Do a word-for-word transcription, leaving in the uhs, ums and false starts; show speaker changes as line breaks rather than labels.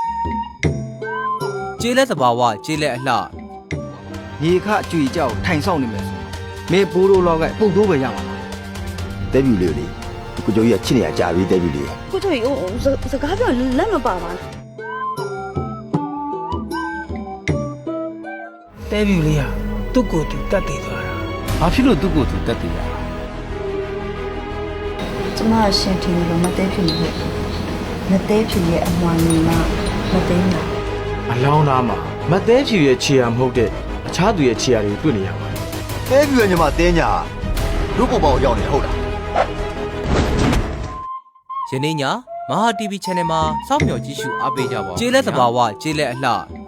ကျေးလက်သဘာဝကျေးလက်အလှ
ရေခအကြွေကြောက်ထိုင်ဆောင်နေမယ်ဆိုမေဘိုးတို့လောက်ကပုတ်တိုးပဲရမှာ
တဲပြူလေးလေကိုကျော်ကြီးကချစ်နေရကြာပြီတဲပြူလေး
ကိုတို့ဟိုစကားပြောလက်မပါပါနဲ့
တဲဗျူလေးဟာသူ့ကိုယ်သူတတ်တည်သွားတာ
ဘာဖြစ်လို့သူ့ကိုယ်သူတက်တည်ရလဲ
ကျမအရှင်ထင်လို့မသေးဖြစ်နေပြီမသေးဖြစ်ရဲ့အမွာနေမှာမသေးမှာ
အလောင်းသားမှာမတ်သေးဖြူရဲ့ခြေရာမဟုတ်တဲ့အခြားသူရဲ့ခြေရာတွေတွေ့နေရပါတယ်
တဲပြူရဲ့ညီမတဲညာတို့ပေါ်ပေါ်ရောက်နေဟုတ်လား
ယနေ့ညမဟာ တီဗီ channel မှာစောင့်မျှော်ကြည့်ရှုအားပေးကြပါကျေးလက်သဘာဝကျေးလက်အလှ